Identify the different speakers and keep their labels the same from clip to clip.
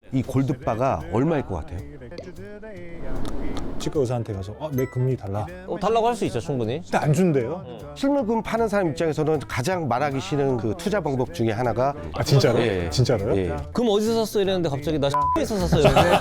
Speaker 1: 이 골드바가 얼마일 것 같아요?
Speaker 2: 치과 의사한테 가서 내 금리 달라.
Speaker 3: 달라고 할 수 있죠, 충분히.
Speaker 2: 근데 안 준대요.
Speaker 1: 실물금 파는 사람 입장에서는 가장 말하기 싫은 그 투자 방법 중에 하나가
Speaker 2: 아 진짜로?
Speaker 1: 예.
Speaker 2: 진짜로요?
Speaker 1: 예.
Speaker 3: 그럼 어디서 샀어 이랬는데 갑자기 나 에서 샀어 이랬는데.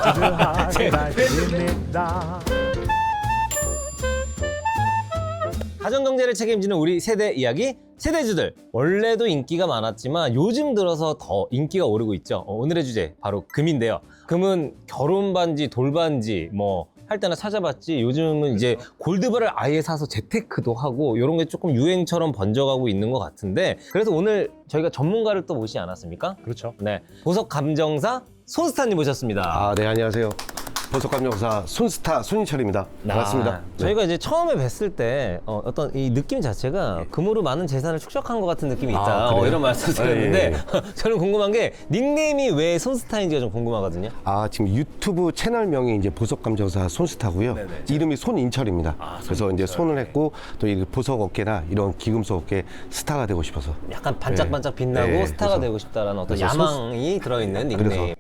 Speaker 3: 가정경제를 책임지는 우리 세대 이야기, 세대주들. 원래도 인기가 많았지만 요즘 들어서 더 인기가 오르고 있죠. 오늘의 주제 바로 금인데요. 금은 결혼 반지, 돌 반지 뭐 할 때나 찾아봤지, 요즘은 이제 골드바를 아예 사서 재테크도 하고 이런 게 조금 유행처럼 번져가고 있는 것 같은데, 그래서 오늘 저희가 전문가를 또 모시지 않았습니까?
Speaker 2: 그렇죠.
Speaker 3: 네, 보석 감정사 손스타님 모셨습니다.
Speaker 1: 아, 네, 안녕하세요. 보석감정사 손스타 손인철입니다. 반갑습니다.
Speaker 3: 저희가 이제 처음에 뵀을 때 어떤 이 느낌 자체가 금으로 많은 재산을 축적한 것 같은 느낌이 있다.
Speaker 1: 그래요?
Speaker 3: 이런 말씀 드렸는데
Speaker 1: 예.
Speaker 3: 저는 궁금한 게 닉네임이 왜 손스타인지가 좀 궁금하거든요.
Speaker 1: 아, 지금 유튜브 채널명이 이제 보석감정사 손스타고요.
Speaker 3: 네네.
Speaker 1: 이름이 손인철입니다. 그래서 이제 손을 했고 또 이 보석 업계나 이런 기금속 업계 스타가 되고 싶어서.
Speaker 3: 약간 반짝반짝 빛나고
Speaker 1: 네,
Speaker 3: 스타가
Speaker 1: 그래서-
Speaker 3: 되고 싶다라는 어떤
Speaker 1: 그래서
Speaker 3: 야망이 들어있는 닉네임.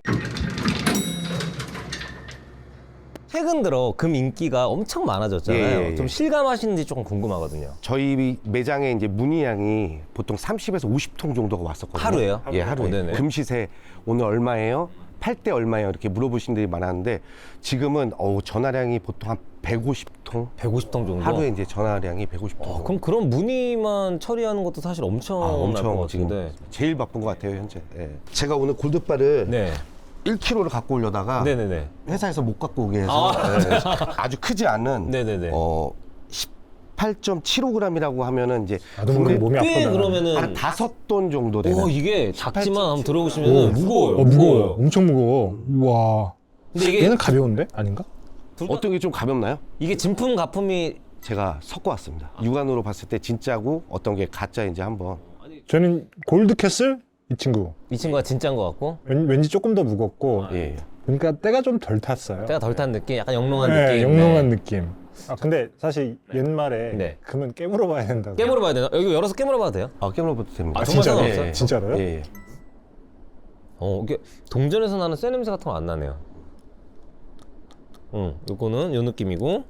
Speaker 3: 최근 들어 금 인기가 엄청 많아졌잖아요.
Speaker 1: 예.
Speaker 3: 좀 실감하시는지 조금 궁금하거든요.
Speaker 1: 저희 매장에 이제 문의량이 보통 30에서 50통 정도가 왔었거든요.
Speaker 3: 하루에요?
Speaker 1: 예, 하루에.
Speaker 3: 네네.
Speaker 1: 금 시세 오늘 얼마예요? 팔 때 얼마예요? 이렇게 물어보신 분들이 많았는데 지금은 전화량이 보통 한 150통?
Speaker 3: 150통 정도?
Speaker 1: 하루에 이제 전화량이 150통.
Speaker 3: 그럼 그런 문의만 처리하는 것도 사실 엄청 날 것
Speaker 1: 엄청
Speaker 3: 같은데.
Speaker 1: 지금 제일 바쁜 것 같아요, 현재. 예. 제가 오늘 골드바를
Speaker 3: 네.
Speaker 1: 1kg를 갖고 오려다가
Speaker 3: 네네네.
Speaker 1: 회사에서 못 갖고 오게 해서 예, 아주 크지 않은
Speaker 3: 네네네.
Speaker 1: 18.75g이라고 하면은 이제
Speaker 2: 나도 모르게 몸이
Speaker 3: 꽤
Speaker 2: 아프다.
Speaker 3: 그러면은
Speaker 1: 한 5돈 정도 되는.
Speaker 3: 이게 작지만 한번
Speaker 2: 오,
Speaker 3: 들어보시면 무거워요.
Speaker 2: 무거워. 엄청 무거워. 우와.
Speaker 3: 근데 이게
Speaker 2: 얘는 가벼운데? 아닌가?
Speaker 1: 어떤 게 좀 가볍나요?
Speaker 3: 이게 진품 가품이
Speaker 1: 제가 섞어 왔습니다. 육안으로 봤을 때 진짜고 어떤 게 가짜인지 한번.
Speaker 2: 저는 골드캐슬 이 친구.
Speaker 3: 이 친구가 진짜인 것 같고
Speaker 2: 왠지 조금 더 무겁고.
Speaker 1: 예.
Speaker 2: 그러니까 때가 좀 덜 탔어요.
Speaker 3: 때가 덜 탄 느낌, 약간 영롱한
Speaker 2: 네,
Speaker 3: 느낌.
Speaker 2: 영롱한 느낌. 근데 사실 옛말에
Speaker 3: 네.
Speaker 2: 금은 깨물어 봐야 된다고.
Speaker 3: 깨물어 봐야 되나? 여기 열어서 깨물어 봐도 돼요?
Speaker 1: 깨물어봐도 됩니다.
Speaker 3: 아, 정말
Speaker 2: 진짜로?
Speaker 3: 상관없어요?
Speaker 2: 진짜로요?
Speaker 1: 예.
Speaker 3: 이게 동전에서 나는 쇠 냄새 같은 거 안 나네요. 요거는 요 느낌이고,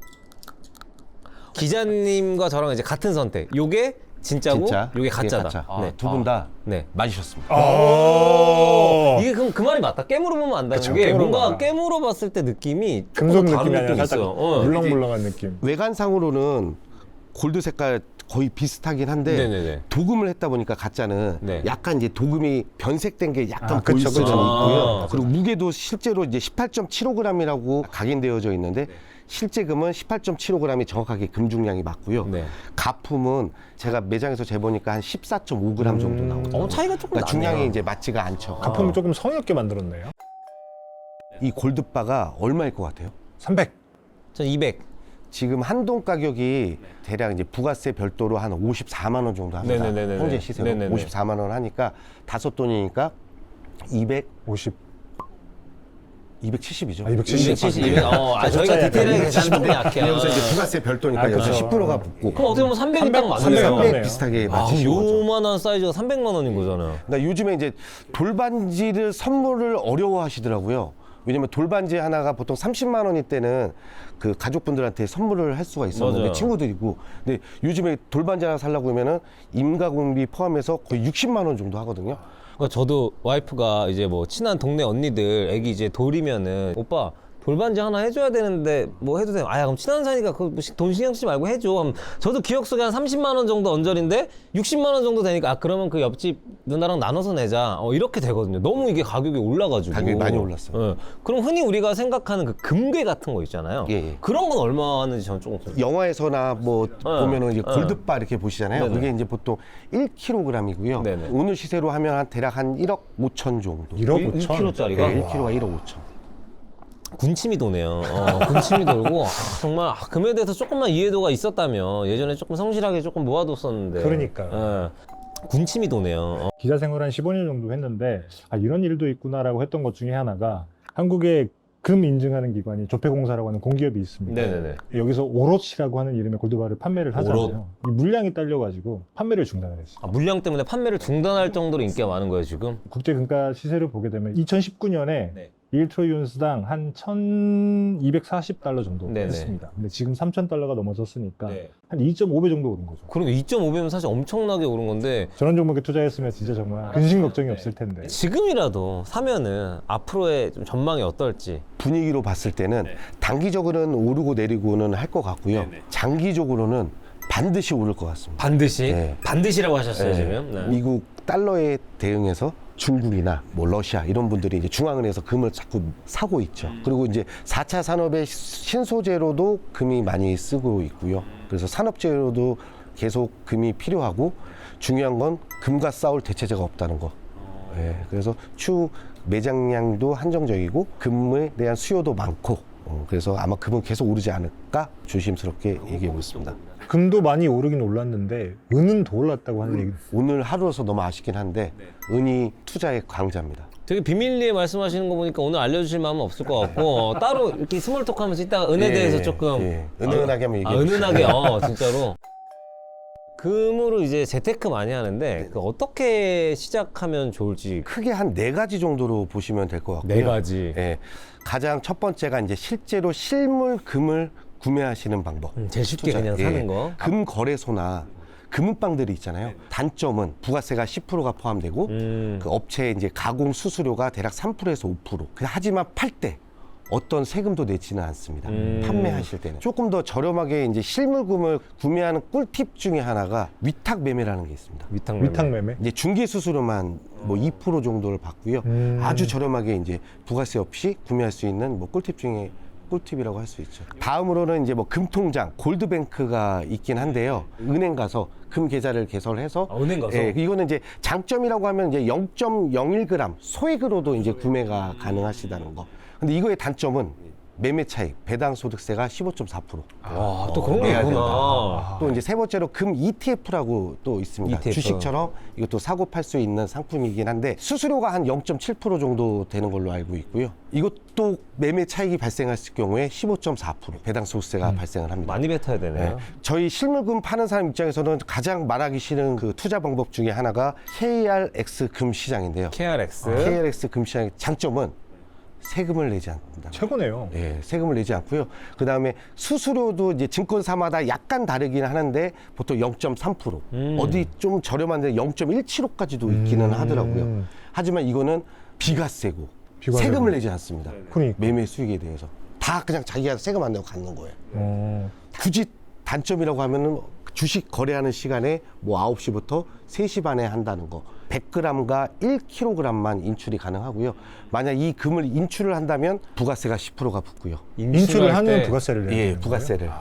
Speaker 3: 기자님과 저랑 이제 같은 선택. 요게 진짜고,
Speaker 1: 진짜.
Speaker 3: 요게 가짜다.
Speaker 1: 가짜.
Speaker 3: 네.
Speaker 1: 두 분 다
Speaker 3: 네.
Speaker 1: 맞으셨습니다.
Speaker 3: 이게 그럼 그 말이 맞다. 깨물어 보면 안다는
Speaker 2: 그쵸,
Speaker 3: 게
Speaker 2: 깨물어
Speaker 3: 뭔가
Speaker 2: 봐라.
Speaker 3: 깨물어 봤을 때 느낌이
Speaker 2: 금속
Speaker 3: 조금 다른
Speaker 2: 느낌이 아니라
Speaker 3: 느낌이
Speaker 2: 살짝
Speaker 3: 있어요.
Speaker 2: 물렁물렁한 느낌.
Speaker 1: 외관상으로는 골드 색깔 거의 비슷하긴 한데
Speaker 3: 네네네.
Speaker 1: 도금을 했다 보니까 가짜는
Speaker 3: 네.
Speaker 1: 약간 이제 도금이 변색된 게 약간
Speaker 2: 그쵸,
Speaker 1: 보일 수는
Speaker 2: 그쵸.
Speaker 1: 있고요. 그리고 무게도 실제로 이제 18.75g이라고 각인되어져 있는데 실제 금은 18.75g이 정확하게 금중량이 맞고요.
Speaker 3: 네.
Speaker 1: 가품은 제가 매장에서 재보니까 한 14.5g 정도 나오죠.
Speaker 3: 차이가 조금
Speaker 1: 그러니까
Speaker 3: 나네요.
Speaker 1: 중량이 이제 맞지가 않죠.
Speaker 2: 가품을 조금 성의 없게 만들었네요.
Speaker 1: 이 골드바가 얼마일 것 같아요?
Speaker 2: 300.
Speaker 3: 전 200.
Speaker 1: 지금 한돈 가격이 대략 이제 부가세 별도로 한 54만 원 정도 합니다.
Speaker 3: 네네네네.
Speaker 1: 현재 시세로
Speaker 3: 네네네.
Speaker 1: 54만 원 하니까 5돈이니까
Speaker 2: 50.
Speaker 1: 270이죠.
Speaker 2: 270.
Speaker 3: 270. 저희가 디테일하게 계산은 조금 약해요.
Speaker 1: 여기서 이제 부가세 별도니까
Speaker 2: 그렇죠.
Speaker 1: 여기서 10%가 붙고
Speaker 3: 그럼 어떻게 보면 300이 딱
Speaker 2: 300
Speaker 3: 맞네요.
Speaker 2: 맞네요.
Speaker 1: 비슷하게
Speaker 3: 아,
Speaker 1: 맞추신 거죠.
Speaker 3: 요만한 사이즈가 300만 원인 거잖아요.
Speaker 1: 그러니까 요즘에 이제 돌반지를 선물을 어려워하시더라고요. 왜냐면 돌반지 하나가 보통 30만 원일 때는 그 가족분들한테 선물을 할 수가 있었는데
Speaker 3: 맞아요.
Speaker 1: 친구들이고, 근데 요즘에 돌반지 하나 살려고 하면은 임가공비 포함해서 거의 60만 원 정도 하거든요.
Speaker 3: 그러니까 저도 와이프가 이제 뭐 친한 동네 언니들 애기 이제 돌이면은 오빠 돌반지 하나 해줘야 되는데 뭐 해도 돼? 야 그럼 친한 사이니까 돈 신경 쓰지 말고 해줘. 그럼 저도 기억 속에 한 30만 원 정도 언저리인데 60만 원 정도 되니까 그러면 그 옆집 누나랑 나눠서 내자. 이렇게 되거든요. 너무 이게 가격이 올라가지고.
Speaker 1: 가격이 많이 올랐어요.
Speaker 3: 예. 그럼 흔히 우리가 생각하는 그 금괴 같은 거 있잖아요.
Speaker 1: 예.
Speaker 3: 그런 건 얼마 하는지 저는 조금
Speaker 1: 영화에서나 뭐 보면은 이제
Speaker 3: 네.
Speaker 1: 골드바 이렇게 보시잖아요.
Speaker 3: 네네.
Speaker 1: 그게 이제 보통 1kg이고요.
Speaker 3: 네네.
Speaker 1: 오늘 시세로 하면 한 대략 한 1억 5천 정도.
Speaker 2: 1억 5천.
Speaker 3: 1kg짜리가?
Speaker 1: 네, 1kg가 1억 5천.
Speaker 3: 군침이 도네요. 군침이 돌고 정말 금에 대해서 조금만 이해도가 있었다면 예전에 조금 성실하게 조금 모아뒀었는데.
Speaker 2: 그러니까요.
Speaker 3: 군침이 도네요.
Speaker 2: 기자 생활 한 15년 정도 했는데 이런 일도 있구나라고 했던 것 중에 하나가 한국에 금 인증하는 기관이 조폐공사라고 하는 공기업이 있습니다.
Speaker 3: 네네네.
Speaker 2: 여기서 오롯이라고 하는 이름의 골드바를 판매를 하잖아요.
Speaker 3: 오롯.
Speaker 2: 이 물량이 딸려가지고 판매를 중단을 했어요.
Speaker 3: 물량 때문에 판매를 중단할 정도로 인기가 많은 거예요 지금?
Speaker 2: 국제 금가 시세를 보게 되면 2019년에
Speaker 3: 네.
Speaker 2: 1트로이 온스당 한 1,240달러 정도
Speaker 3: 네네.
Speaker 2: 했습니다. 근데 지금 3,000달러가 넘어섰으니까
Speaker 3: 네.
Speaker 2: 한 2.5배 정도 오른 거죠.
Speaker 3: 그러니까 2.5배면 사실 엄청나게 오른 건데
Speaker 2: 저런 종목에 투자했으면 진짜 정말 근심 걱정이 없을 텐데.
Speaker 3: 지금이라도 사면은 앞으로의 좀 전망이 어떨지.
Speaker 1: 분위기로 봤을 때는 단기적으로는 오르고 내리고는 할 것 같고요. 장기적으로는 반드시 오를 것 같습니다.
Speaker 3: 반드시?
Speaker 1: 네.
Speaker 3: 반드시라고 하셨어요,
Speaker 1: 네.
Speaker 3: 지금? 네.
Speaker 1: 미국 달러에 대응해서 중국이나 뭐 러시아 이런 분들이 이제 중앙은행에서 금을 자꾸 사고 있죠. 그리고 이제 4차 산업의 신소재로도 금이 많이 쓰고 있고요. 그래서 산업재료도 계속 금이 필요하고 중요한 건 금과 싸울 대체제가 없다는 거. 예, 그래서 추후 매장량도 한정적이고 금에 대한 수요도 많고 그래서 아마 금은 계속 오르지 않을까 조심스럽게 얘기하고 있습니다.
Speaker 2: 금도 많이 오르긴 올랐는데 은은 더 올랐다고 하는 얘기.
Speaker 1: 오늘 하루로서 너무 아쉽긴 한데 은이 투자의 강자입니다.
Speaker 3: 되게 비밀리에 말씀하시는 거 보니까 오늘 알려주실 마음은 없을 것 같고 따로 이렇게 스몰톡 하면서 이따가 은에 대해서 조금
Speaker 1: 은은하게 한번 얘기해 주세요.
Speaker 3: 은은하게 진짜로 금으로 이제 재테크 많이 하는데 그 어떻게 시작하면 좋을지
Speaker 1: 크게 한 4가지 정도로 보시면 될 것 같고요.
Speaker 3: 4가지.
Speaker 1: 예, 가장 첫 번째가 이제 실제로 실물 금을 구매하시는 방법.
Speaker 3: 제일 쉽게
Speaker 1: 투자.
Speaker 3: 그냥
Speaker 1: 예.
Speaker 3: 사는 거.
Speaker 1: 금 거래소나 금은방들이 있잖아요. 단점은 부가세가 10%가 포함되고 그 업체의 이제 가공 수수료가 대략 3%에서 5%. 하지만 팔 때 어떤 세금도 내지는 않습니다. 판매하실 때는 조금 더 저렴하게 이제 실물금을 구매하는 꿀팁 중에 하나가 위탁 매매라는 게 있습니다.
Speaker 2: 위탁 매매.
Speaker 1: 이제 중개 수수료만 뭐 2% 정도를 받고요. 아주 저렴하게 이제 부가세 없이 구매할 수 있는 뭐 꿀팁 중에 꿀팁이라고 할 수 있죠. 다음으로는 이제 뭐 금통장, 골드뱅크가 있긴 한데요. 은행 가서 금 계좌를 개설해서
Speaker 3: 은행 가서?
Speaker 1: 예, 이거는 이제 장점이라고 하면 이제 0.01g 소액으로도 이제 구매가 가능하시다는 거. 근데 이거의 단점은 매매 차익, 배당 소득세가 15.4%.
Speaker 3: 와, 또 그런 게
Speaker 1: 내야
Speaker 3: 있구나.
Speaker 1: 또 이제 세 번째로 금 ETF라고 또 있습니다.
Speaker 3: ETF.
Speaker 1: 주식처럼 이것도 사고 팔 수 있는 상품이긴 한데 수수료가 한 0.7% 정도 되는 걸로 알고 있고요. 이것도 매매 차익이 발생했을 경우에 15.4% 배당 소득세가 발생을 합니다.
Speaker 3: 많이 뱉어야 되네요.
Speaker 1: 네. 저희 실물금 파는 사람 입장에서는 가장 말하기 싫은 그 투자 방법 중에 하나가 KRX 금 시장인데요.
Speaker 3: KRX.
Speaker 1: KRX 금 시장의 장점은 세금을 내지 않는다.
Speaker 2: 최고네요.
Speaker 1: 예, 세금을 내지 않고요. 그 다음에 수수료도 이제 증권사마다 약간 다르긴 하는데 보통 0.3%. 어디 좀 저렴한데 0.175까지도 있기는 하더라고요. 하지만 이거는 비과세고
Speaker 2: 비과세고.
Speaker 1: 세금을 내지 않습니다.
Speaker 2: 그러니까.
Speaker 1: 매매 수익에 대해서. 다 그냥 자기가 세금 안 내고 갖는 거예요. 굳이 단점이라고 하면은 주식 거래하는 시간에 뭐 9시부터 3시 반에 한다는 거. 100g과 1kg만 인출이 가능하고요. 만약 이 금을 인출을 한다면 부가세가 10%가 붙고요.
Speaker 2: 인출을 하면
Speaker 3: 때.
Speaker 2: 부가세를 내는
Speaker 1: 예,
Speaker 2: 거예요?
Speaker 1: 부가세를.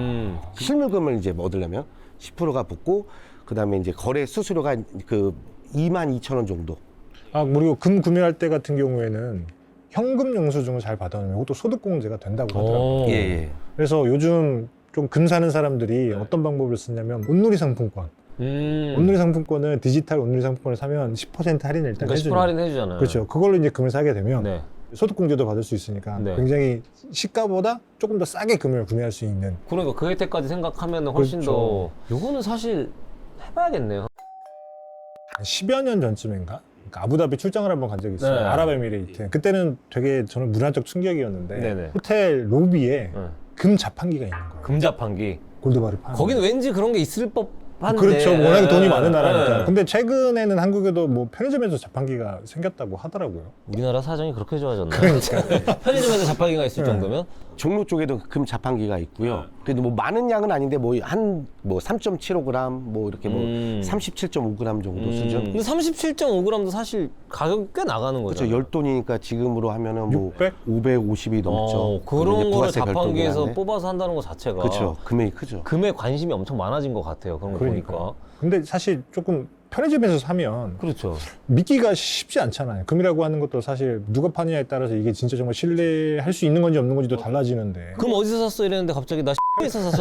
Speaker 1: 실물금을 이제 얻으려면 10%가 붙고 그다음에 이제 거래 수수료가 그 22,000원 정도.
Speaker 2: 그리고 금 구매할 때 같은 경우에는 현금 영수증을 잘 받아놓으면 이것도 소득공제가 된다고 하더라고요.
Speaker 3: 오.
Speaker 1: 예.
Speaker 2: 그래서 요즘 좀 금 사는 사람들이 어떤 방법을 쓰냐면 온누리 상품권. 온누리 상품권은 디지털 온누리 상품권을 사면 10% 할인을 일단
Speaker 3: 그러니까 10%
Speaker 2: 해주죠.
Speaker 3: 할인해주잖아요.
Speaker 2: 그렇죠. 그걸로 이제 금을 사게 되면
Speaker 3: 네.
Speaker 2: 소득공제도 받을 수 있으니까
Speaker 3: 네.
Speaker 2: 굉장히 시가보다 조금 더 싸게 금을 구매할 수 있는.
Speaker 3: 그러니까 그 혜택까지 생각하면 훨씬
Speaker 2: 그렇죠.
Speaker 3: 더. 요거는 사실 해봐야겠네요.
Speaker 2: 한 10여 년 전쯤인가? 그러니까 아부다비 출장을 한번 간 적이 있어요.
Speaker 3: 네.
Speaker 2: 아랍에미레이트. 그때는 되게 저는 문화적 충격이었는데
Speaker 3: 네네.
Speaker 2: 호텔 로비에
Speaker 3: 네.
Speaker 2: 금 자판기가 있는 거예요.
Speaker 3: 금자판기.
Speaker 2: 골드바를 파는.
Speaker 3: 거기는 왠지 그런 게 있을 법한데.
Speaker 2: 그렇죠. 워낙에 돈이 많은
Speaker 3: 네.
Speaker 2: 나라니까. 근데 최근에는 한국에도 뭐 편의점에서 자판기가 생겼다고 하더라고요.
Speaker 3: 우리나라 사정이 그렇게 좋아졌나?
Speaker 2: 그러니까.
Speaker 3: 편의점에서 자판기가 있을
Speaker 2: 네.
Speaker 3: 정도면?
Speaker 1: 종로 쪽에도 금 자판기가 있고요. 그래도 뭐 많은 양은 아닌데 뭐 한 뭐 3.75g 뭐 이렇게 뭐 37.5g 정도 수준.
Speaker 3: 근데 37.5g도 사실 가격이 꽤 나가는 거죠.
Speaker 1: 그렇죠. 열돈이니까 지금으로 하면은 뭐
Speaker 2: 600?
Speaker 1: 550이 넘죠.
Speaker 3: 그런 거를
Speaker 1: 부가세
Speaker 3: 자판기에서
Speaker 1: 별도긴 한데.
Speaker 3: 뽑아서 한다는 것 자체가.
Speaker 1: 그렇죠. 금액이 크죠.
Speaker 3: 금에 관심이 엄청 많아진 것 같아요. 그런 거
Speaker 2: 그러니까.
Speaker 3: 보니까.
Speaker 2: 근데 사실 조금 편의점에서 사면
Speaker 3: 그렇죠.
Speaker 2: 믿기가 쉽지 않잖아요. 금이라고 하는 것도 사실 누가 파느냐에 따라서 이게 진짜 정말 신뢰할 수 있는 건지 없는 건지도 달라지는데.
Speaker 3: 그럼 어디서 샀어 이랬는데 갑자기 나 에서 샀어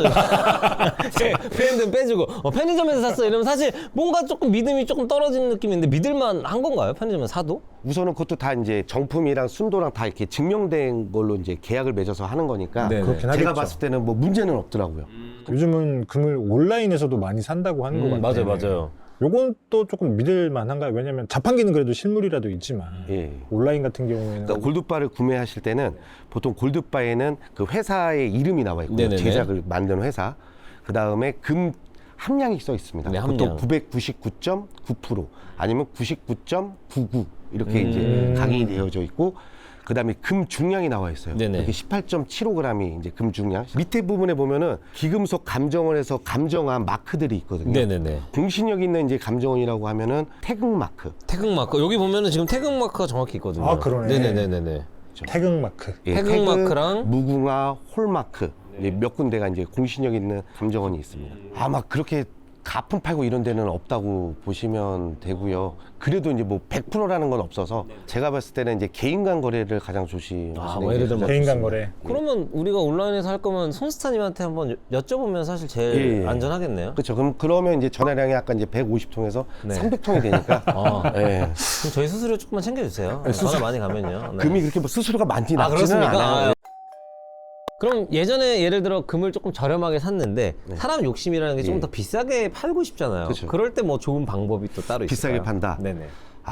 Speaker 3: 브랜드는 빼주고 편의점에서 샀어 이러면 사실 뭔가 조금 믿음이 조금 떨어지는 느낌인데 믿을만 한 건가요? 편의점에서 사도?
Speaker 1: 우선은 그것도 다 이제 정품이랑 순도랑 다 이렇게 증명된 걸로 이제 계약을 맺어서 하는 거니까
Speaker 3: 네네.
Speaker 2: 그렇긴
Speaker 1: 제가
Speaker 2: 하겠죠.
Speaker 1: 봤을 때는 뭐 문제는 없더라고요.
Speaker 2: 요즘은 금을 온라인에서도 많이 산다고 하는 것 같아요.
Speaker 3: 맞아요.
Speaker 2: 요건 또 조금 믿을 만한가요? 왜냐면 자판기는 그래도 실물이라도 있지만
Speaker 1: 예.
Speaker 2: 온라인 같은 경우에는
Speaker 1: 그러니까 골드바를 구매하실 때는 보통 골드바에는 그 회사의 이름이 나와 있고요.
Speaker 3: 네네네.
Speaker 1: 제작을 만든 회사. 그 다음에 금 함량이 써 있습니다.
Speaker 3: 네,
Speaker 1: 보통
Speaker 3: 함량.
Speaker 1: 999.9% 아니면 99.99 이렇게 이제 각인이 되어져 있고, 그 다음에 금 중량이 나와 있어요.
Speaker 3: 네네.
Speaker 1: 이렇게 18.75g이 이제 금 중량. 밑에 부분에 보면은 기금속 감정을 해서 감정한 마크들이 있거든요.
Speaker 3: 네네네.
Speaker 1: 공신력 있는 이제 감정원이라고 하면은 태극 마크.
Speaker 3: 태극 마크 여기 보면은 지금 태극 마크가 정확히 있거든요.
Speaker 2: 아, 그러네.
Speaker 3: 네네네네.
Speaker 2: 태극 마크.
Speaker 1: 예,
Speaker 3: 태극 마크랑
Speaker 1: 무궁화 홀마크 몇 군데가 이제 공신력 있는 감정원이 있습니다. 아마 그렇게 가품 팔고 이런 데는 없다고 보시면 되고요. 그래도 이제 뭐 100%라는 건 없어서 제가 봤을 때는 이제 개인 간 거래를 가장 조심하시는
Speaker 3: 아, 뭐
Speaker 1: 게
Speaker 3: 예를 들면
Speaker 1: 가장
Speaker 2: 개인 간
Speaker 1: 좋습니다.
Speaker 2: 거래.
Speaker 3: 그러면 우리가 온라인에서 할 거면 손스타님한테 한번 여쭤보면 사실 제일
Speaker 1: 예.
Speaker 3: 안전하겠네요.
Speaker 1: 그렇죠. 그러면 이제 전화량이 아까 이제 150통에서
Speaker 3: 네.
Speaker 1: 300통이 되니까
Speaker 3: 아,
Speaker 1: 예.
Speaker 3: 그럼 저희 수수료 조금만 챙겨주세요. 전화 많이 가면요. 네.
Speaker 1: 금이 그렇게 뭐 수수료가 많지
Speaker 3: 아,
Speaker 1: 낮지는
Speaker 3: 그렇습니까?
Speaker 1: 않아요.
Speaker 3: 아, 그럼 예전에 예를 들어 금을 조금 저렴하게 샀는데 사람 욕심이라는 게 조금
Speaker 1: 예.
Speaker 3: 더 비싸게 팔고 싶잖아요.
Speaker 1: 그쵸.
Speaker 3: 그럴 때 뭐 좋은 방법이 또 따로 있을까요?
Speaker 1: 비싸게 판다?
Speaker 3: 네네.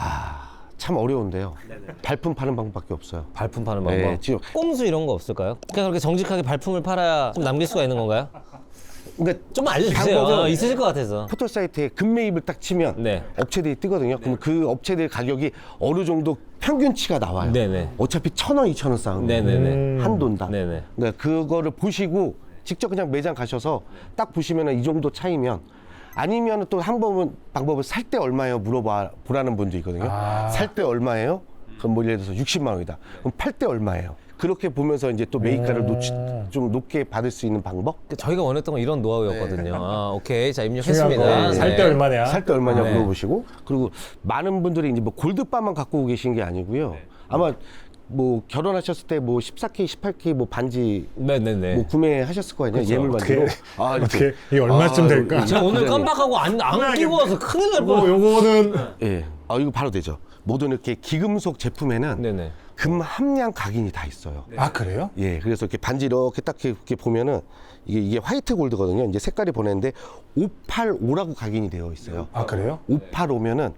Speaker 1: 참 어려운데요. 발품 파는 방법밖에 없어요.
Speaker 3: 발품 파는 방법.
Speaker 1: 예, 지금
Speaker 3: 꼼수 이런 거 없을까요? 그냥 그렇게 정직하게 발품을 팔아야 좀 남길 수가 있는 건가요?
Speaker 1: 그러니까
Speaker 3: 좀 알려주세요.
Speaker 1: 방법은
Speaker 3: 있으실 것 같아서.
Speaker 1: 포털 사이트에 금매입을 딱 치면
Speaker 3: 네.
Speaker 1: 업체들이 뜨거든요. 그럼 그 업체들 가격이 어느 정도 평균치가 나와요.
Speaker 3: 네네.
Speaker 1: 어차피 1,000원, 2,000원 싸움.
Speaker 3: 네네네.
Speaker 1: 한돈당.
Speaker 3: 네네.
Speaker 1: 그러니까 그거를 보시고 직접 그냥 매장 가셔서 딱 보시면 이 정도 차이면, 아니면 또 한 번은 방법을 살 때 얼마예요 보라는 분도 있거든요.
Speaker 2: 아.
Speaker 1: 살 때 얼마예요? 그럼 뭐 예를 들어서 60만 원이다. 그럼 팔 때 얼마예요? 그렇게 보면서 이제 또 매입가를 좀 높게 받을 수 있는 방법?
Speaker 3: 저희가 원했던 건 이런 노하우였거든요. 아, 오케이. 자,
Speaker 2: 중요한
Speaker 3: 입력했습니다.
Speaker 2: 거.
Speaker 3: 네.
Speaker 2: 살 때 얼마냐?
Speaker 1: 살 때 얼마냐
Speaker 3: 네.
Speaker 1: 물어보시고, 그리고 많은 분들이 이제 뭐 골드바만 갖고 계신 게 아니고요. 아마 뭐 결혼하셨을 때 뭐 14K, 18K 뭐 반지
Speaker 3: 네네네.
Speaker 1: 뭐 구매하셨을 거 아니에요. 예물 반지로.
Speaker 2: 어떻게 이게 얼마쯤 될까?
Speaker 3: 제가 오늘 깜빡하고 안 끼고 와서 큰일 날 뻔.
Speaker 2: 요거는
Speaker 1: 예. 이거 바로 되죠. 모든 이렇게 기금속 제품에는
Speaker 3: 네네.
Speaker 1: 금 함량 각인이 다 있어요.
Speaker 2: 아 그래요?
Speaker 1: 예, 그래서 이렇게 반지 이렇게 딱 이렇게 보면은 이게 화이트 골드거든요. 이제 색깔이 보냈는데 585라고 각인이 되어 있어요.
Speaker 2: 아 그래요?
Speaker 1: 585면은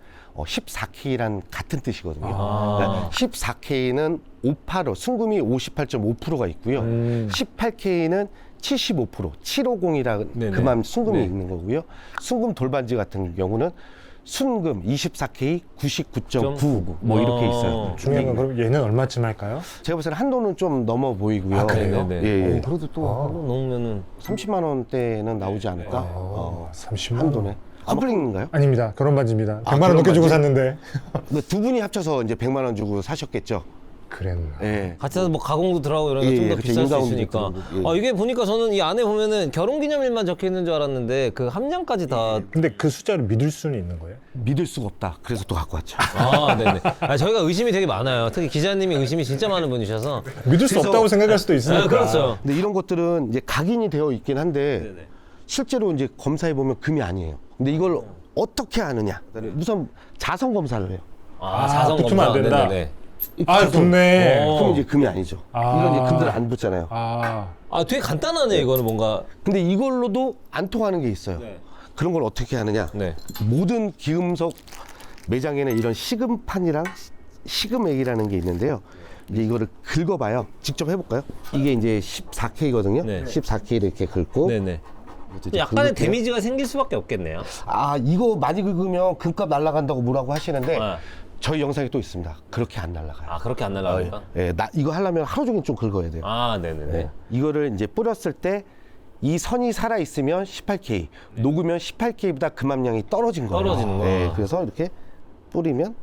Speaker 1: 14K란 같은 뜻이거든요.
Speaker 3: 아.
Speaker 1: 그러니까 14K는 585, 순금이 58.5%가 있고요. 18K는 75%, 750이라는
Speaker 3: 네네.
Speaker 1: 그만 순금이
Speaker 3: 네.
Speaker 1: 있는 거고요. 순금 돌반지 같은 경우는 순금 24K 99.999 뭐 이렇게 있어요.
Speaker 2: 중요한 건 그럼 얘는 얼마쯤 할까요?
Speaker 1: 제가 봤을 때 한도는 좀 넘어 보이고요.
Speaker 2: 아, 그래요?
Speaker 3: 네네.
Speaker 1: 예, 예.
Speaker 3: 그래도 또 넣으면은
Speaker 1: 30만 원대는 나오지 않을까?
Speaker 2: 30만 원.
Speaker 1: 한도네. 커플링인가요?
Speaker 2: 아닙니다. 결혼 반지입니다. 100만 원
Speaker 1: 결혼
Speaker 2: 넘게 주고
Speaker 1: 반지?
Speaker 2: 샀는데.
Speaker 1: 두 분이 합쳐서 이제 100만 원 주고 사셨겠죠.
Speaker 2: 그랬나?
Speaker 1: 예.
Speaker 3: 같이 해서 뭐 가공도 들어가고 이러니까
Speaker 1: 예,
Speaker 3: 좀 더
Speaker 1: 그쵸.
Speaker 3: 비쌀 수
Speaker 1: 인가운도
Speaker 3: 있으니까.
Speaker 1: 들어가고, 예.
Speaker 3: 이게 보니까 저는 이 안에 보면은 결혼기념일만 적혀 있는 줄 알았는데 그 함량까지 다.
Speaker 2: 근데 그 숫자를 믿을 수는 있는 거예요?
Speaker 1: 믿을 수가 없다. 그래서 또 갖고 왔죠.
Speaker 3: 아, 네네. 저희가 의심이 되게 많아요. 특히 기자님이 의심이 진짜 많은 분이셔서.
Speaker 2: 믿을 수
Speaker 1: 그래서-
Speaker 2: 없다고 생각할 수도 있으니까.
Speaker 3: 아, 그렇죠.
Speaker 1: 근데 이런 것들은 이제 각인이 되어 있긴 한데 실제로 이제 검사해 보면 금이 아니에요. 근데 이걸 어떻게 아느냐? 우선 자성 검사를 해요.
Speaker 3: 자성
Speaker 2: 붙으면 안
Speaker 3: 검사.
Speaker 2: 된다.
Speaker 3: 네네네.
Speaker 2: 아 좋네.
Speaker 3: 어.
Speaker 1: 그럼 이제 금이 아니죠. 이건 이제 금들 안 붙잖아요.
Speaker 2: 아
Speaker 3: 되게 간단하네, 이거는 뭔가.
Speaker 1: 근데 이걸로도 안 통하는 게 있어요. 그런 걸 어떻게 하느냐?
Speaker 3: 네.
Speaker 1: 모든 기금속 매장에는 이런 시금판이랑 시금액이라는 게 있는데요. 이제 이거를 긁어봐요. 직접 해볼까요? 이게 이제 14K거든요.
Speaker 3: 네.
Speaker 1: 14K를 이렇게 긁고.
Speaker 3: 네네.
Speaker 1: 이것도 이제
Speaker 3: 약간의
Speaker 1: 긁을게요.
Speaker 3: 데미지가 생길 수밖에 없겠네요.
Speaker 1: 이거 많이 긁으면 금값 날아간다고 뭐라고 하시는데
Speaker 3: 아.
Speaker 1: 저희 영상이 또 있습니다. 그렇게 안 날아가요.
Speaker 3: 그렇게 안 날아가니까?
Speaker 1: 이거 하려면 하루 종일 좀 긁어야 돼요.
Speaker 3: 네네네.
Speaker 1: 네. 이거를 이제 뿌렸을 때 이 선이 살아 있으면 18K, 녹으면 18K보다 금함량이 떨어진 거예요.
Speaker 3: 떨어지는 거야.
Speaker 1: 네, 그래서 이렇게 뿌리면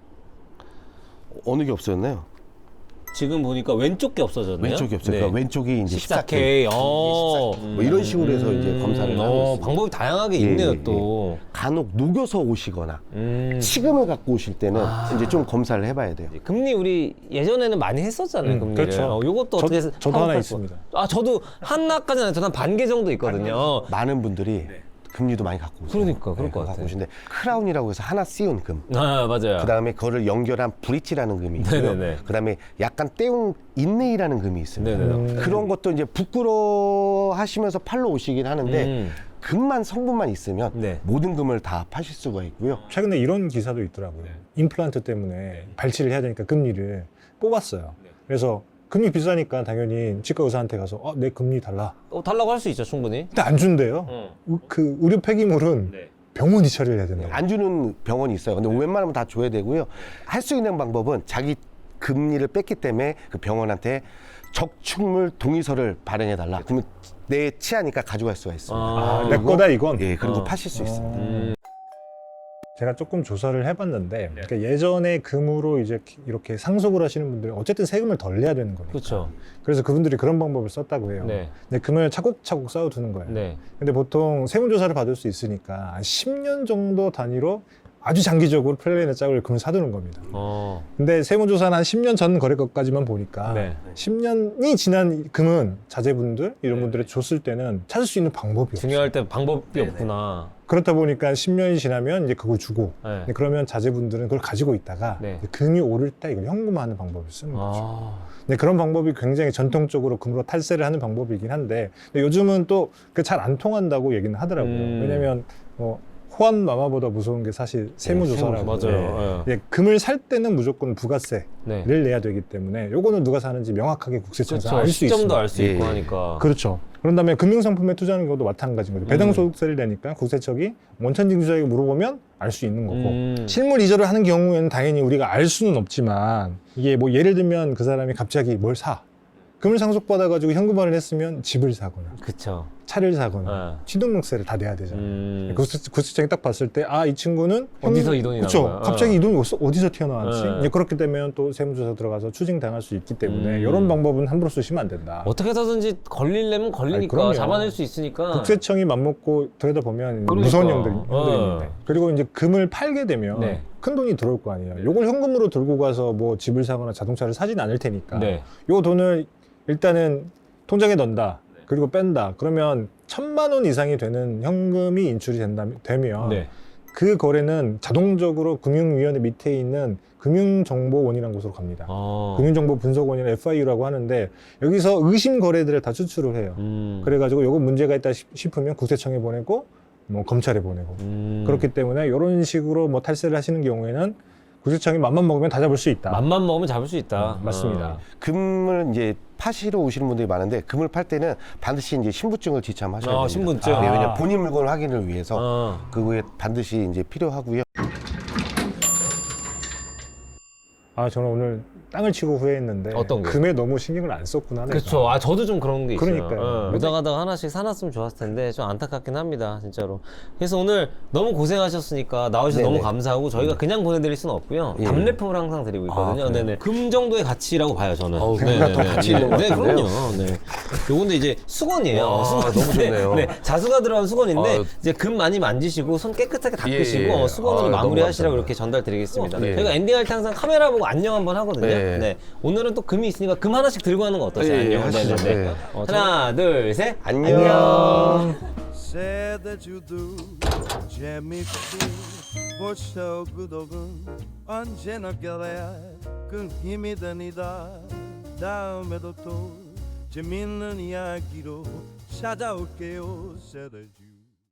Speaker 1: 어느 게 없어졌나요?
Speaker 3: 지금 보니까 왼쪽 게 없어졌네요.
Speaker 1: 왼쪽이 없어요. 그러니까 왼쪽이 이제
Speaker 3: 14K.
Speaker 1: 14K. 뭐 이런 식으로 해서 이제 검사를 하고 있습니다.
Speaker 3: 방법이 다양하게
Speaker 1: 예,
Speaker 3: 있네요,
Speaker 1: 예,
Speaker 3: 또.
Speaker 1: 간혹 녹여서 오시거나 시금을 갖고 오실 때는 이제 좀 검사를 해봐야 돼요.
Speaker 3: 금리 우리 예전에는 많이 했었잖아요, 금리를.
Speaker 2: 그렇죠.
Speaker 3: 요것도 어떻게 해서
Speaker 2: 저도 하나
Speaker 3: 파악할
Speaker 2: 있습니다.
Speaker 3: 저도 하나까지는 아니고 저는 한 반 개 정도 있거든요.
Speaker 1: 많은 분들이 금리도 많이 갖고 오세요.
Speaker 3: 그러니까, 그럴 것
Speaker 1: 갖고
Speaker 3: 같아요.
Speaker 1: 오시는데 크라운이라고 해서 하나 씌운 금.
Speaker 3: 맞아요.
Speaker 1: 그 다음에 그거를 연결한 브릿지라는 금이 있고요.
Speaker 3: 네네네.
Speaker 1: 그 다음에 약간 떼운 인레이라는 금이 있습니다.
Speaker 3: 네네네.
Speaker 1: 그런 것도 이제 부끄러워 하시면서 팔러 오시긴 하는데 금만 성분만 있으면
Speaker 3: 네.
Speaker 1: 모든 금을 다 파실 수가 있고요.
Speaker 2: 최근에 이런 기사도 있더라고요. 임플란트 때문에 발치를 해야 되니까 금리를 뽑았어요. 그래서 금리 비싸니까 당연히 치과 의사한테 가서 내 금리 달라.
Speaker 3: 달라고 할 수 있죠, 충분히.
Speaker 2: 근데 안 준대요. 그 의료 폐기물은 병원이 처리를 해야 된다고.
Speaker 1: 안 주는 병원이 있어요. 근데 웬만하면 다 줘야 되고요. 할 수 있는 방법은 자기 금리를 뺐기 때문에 그 병원한테 적축물 동의서를 발행해 달라. 그러면 내 치아니까 가져갈 수가 있습니다.
Speaker 2: 내 거다 이건.
Speaker 1: 예, 그리고 파실 수 있습니다.
Speaker 2: 제가 조금 조사를 해봤는데 그러니까 예전에 금으로 이제 이렇게 상속을 하시는 분들은 어쨌든 세금을 덜 내야 되는 거니까.
Speaker 3: 그렇죠.
Speaker 2: 그래서 그분들이 그런 방법을 썼다고 해요.
Speaker 3: 네.
Speaker 2: 근데 금을 차곡차곡 쌓아두는 거예요.
Speaker 3: 네.
Speaker 2: 근데 보통 세무조사를 받을 수 있으니까 한 10년 정도 단위로 아주 장기적으로 플랜의 짝을 금을 사두는 겁니다. 근데 세무조사는 한 10년 전 거래 것까지만 보니까
Speaker 3: 네.
Speaker 2: 10년이 지난 금은 자제분들 이런 분들이 줬을 때는 찾을 수 있는 방법이 없어요.
Speaker 3: 중요할 때 방법이 없구나.
Speaker 2: 그렇다 보니까 10년이 지나면 이제 그걸 주고
Speaker 3: 네.
Speaker 2: 그러면 자제분들은 그걸 가지고 있다가
Speaker 3: 네.
Speaker 2: 금이 오를 때 이걸 현금화하는 방법을 쓰는 거죠.
Speaker 3: 아.
Speaker 2: 근데 그런 방법이 굉장히 전통적으로 금으로 탈세를 하는 방법이긴 한데 근데 요즘은 또 그 잘 안 통한다고 얘기는 하더라고요. 왜냐면 호환 마마보다 무서운 게 사실 세무조사라고.
Speaker 3: 맞아요.
Speaker 2: 예, 금을 살 때는 무조건 부가세를
Speaker 3: 네.
Speaker 2: 내야 되기 때문에 요거는 누가 사는지 명확하게 국세청에서
Speaker 3: 그렇죠.
Speaker 2: 알 수 있습니다.
Speaker 3: 시점도 알 수 있고
Speaker 1: 예.
Speaker 3: 하니까.
Speaker 2: 그렇죠. 그런 다음에 금융상품에 투자하는 경우도 마찬가지인 거죠. 배당소득세를 내니까 국세청이 원천징수자에게 물어보면 알 수 있는 거고 실물 이전을 하는 경우에는 당연히 우리가 알 수는 없지만 이게 뭐 예를 들면 그 사람이 갑자기 뭘 사 금을 상속받아가지고 현금화를 했으면 집을 사거나
Speaker 3: 그쵸.
Speaker 2: 차를 사거나 취등록세를 다 내야 되잖아요.
Speaker 3: 음.
Speaker 2: 국세청이 딱 봤을 때 이 친구는
Speaker 3: 어디서 이 돈이 나온
Speaker 2: 그쵸?
Speaker 3: 거야?
Speaker 2: 갑자기 이 돈이 어디서 튀어나왔지?
Speaker 3: 네.
Speaker 2: 이제 그렇게 되면 또 세무조사 들어가서 추징당할 수 있기 때문에
Speaker 3: 음.
Speaker 2: 이런 방법은 함부로 쓰시면 안 된다.
Speaker 3: 어떻게 해서든지 걸리려면
Speaker 2: 아니,
Speaker 3: 걸리니까
Speaker 2: 그럼요.
Speaker 3: 잡아낼 수 있으니까.
Speaker 2: 국세청이 맘먹고 들여다보면
Speaker 3: 그러니까.
Speaker 2: 무서운 형들인데
Speaker 3: 네.
Speaker 2: 그리고 이제 금을 팔게 되면
Speaker 3: 네.
Speaker 2: 큰 돈이 들어올 거 아니에요. 요걸 현금으로 들고 가서 뭐 집을 사거나 자동차를 사지는 않을 테니까
Speaker 3: 네.
Speaker 2: 요 돈을 일단은 통장에 넣는다. 그리고 뺀다. 그러면 1,000만 원 이상이 되는 현금이 인출이 되면
Speaker 3: 네.
Speaker 2: 그 거래는 자동적으로 금융위원회 밑에 있는 금융정보원이라는 곳으로 갑니다. 금융정보분석원이나 FIU라고 하는데 여기서 의심 거래들을 다 추출을 해요. 그래가지고 요거 문제가 있다 싶으면 국세청에 보내고 뭐 검찰에 보내고 그렇기 때문에 이런 식으로 뭐 탈세를 하시는 경우에는 국세청이 맘만 먹으면 다 잡을 수 있다.
Speaker 3: 맘만 먹으면 잡을 수 있다.
Speaker 2: 맞습니다.
Speaker 1: 금을 이제 파시러 오시는 분들이 많은데 금을 팔 때는 반드시 이제 신분증을 지참하셔야 됩니다.
Speaker 3: 신분증.
Speaker 1: 네, 왜냐면 본인 물건 확인을 위해서 그거에 반드시 이제 필요하고요.
Speaker 2: 저는 오늘 땅을 치고 후회했는데
Speaker 3: 어떤 거요?
Speaker 2: 금에 너무 신경을 안 썼구나. 내가.
Speaker 3: 그렇죠. 저도 좀 그런 게 있어요.
Speaker 2: 그러니까요.
Speaker 3: 오다 가다가 하나씩 사놨으면 좋았을 텐데 좀 안타깝긴 합니다, 진짜로. 그래서 오늘 너무 고생하셨으니까 나와주셔서
Speaker 1: 네네.
Speaker 3: 너무 감사하고 저희가 그냥 보내드릴 수는 없고요.
Speaker 1: 예.
Speaker 3: 답례품을 항상 드리고 있거든요.
Speaker 1: 그래요?
Speaker 3: 네네. 금 정도의 가치라고 봐요, 저는.
Speaker 1: 금과 또 같이 있는 것
Speaker 3: 네,
Speaker 1: 같은데요?
Speaker 3: 그럼요. 네. 요건데 이제 수건이에요. 수건.
Speaker 1: 너무 좋네요.
Speaker 3: 네, 자수가 들어간 수건인데
Speaker 1: 아유.
Speaker 3: 이제 금 많이 만지시고 손 깨끗하게 닦으시고
Speaker 1: 예, 예.
Speaker 3: 수건으로
Speaker 1: 아유,
Speaker 3: 마무리하시라고
Speaker 1: 너무
Speaker 3: 이렇게 전달드리겠습니다.
Speaker 1: 예.
Speaker 3: 저희가 엔딩할 때 항상 카메라 보고 안녕 한번 하거든요.
Speaker 1: 네.
Speaker 3: 네. 오늘은 또 금이 있으니까 금 하나씩 들고 하는 거 어떠세요?
Speaker 1: 예, 예,
Speaker 3: 안녕.
Speaker 1: 하시죠.
Speaker 3: 네네네.
Speaker 1: 네.
Speaker 3: 하나, 둘, 셋.
Speaker 1: 안녕.
Speaker 4: Said that you do 재밌고 벌써 구독은 언제나 겨래야 그 힘이 되니다 다음에도 또 재밌는 이야기로 찾아올게요 Said that you